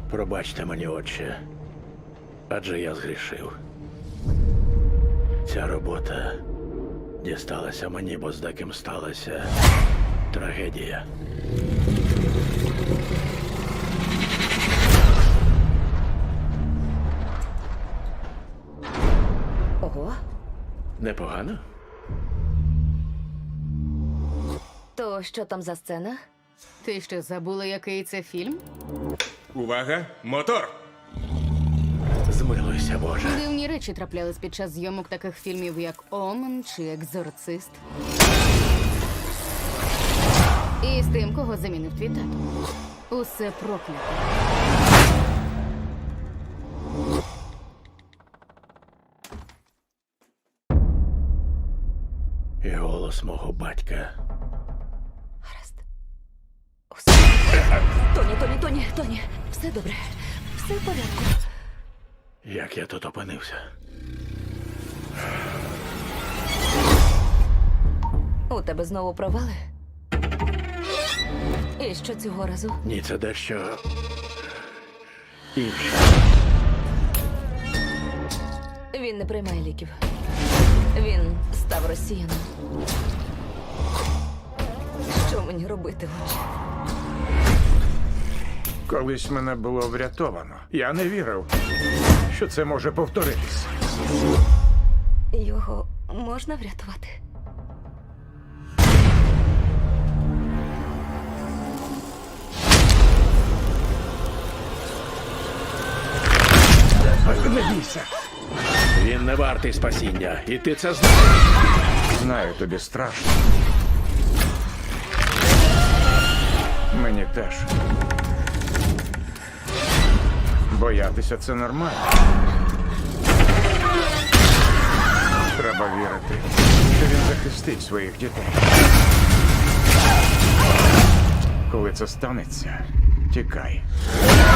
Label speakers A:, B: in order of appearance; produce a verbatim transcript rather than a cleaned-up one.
A: Пробачте мені, отче, адже я згрішив. Ця робота дісталася мені, бо з деким сталася трагедія.
B: Ого.
A: Непогано?
B: То що там за сцена?
C: Ти що, забула, який це фільм?
D: Увага! Мотор!
A: Змилуйся, Боже.
C: Дивні речі траплялись під час зйомок таких фільмів, як Омен чи Екзорцист. І з тим, кого замінив твій тато. Усе проклято.
A: І голос мого батька.
B: Гаразд. Усе. Тоні, Тоні, Тоні, Тоні. Все добре. Все в порядку.
A: Як я тут опинився?
B: У тебе знову провали? І що цього разу?
A: Ні, це дещо інше.
B: Він не приймає ліків. Він став росіяном. Що мені робити, отче?
E: Колись мене було врятовано. Я не вірив, що це може повторитись.
B: Його можна врятувати?
E: Не бійся.
A: Він не вартий спасіння, і ти це знаєш.
E: Знаю, тобі страшно. Мені теж. Боятися це нормально. Треба вірити, що він захистить своїх дітей. Коли це станеться, тікай.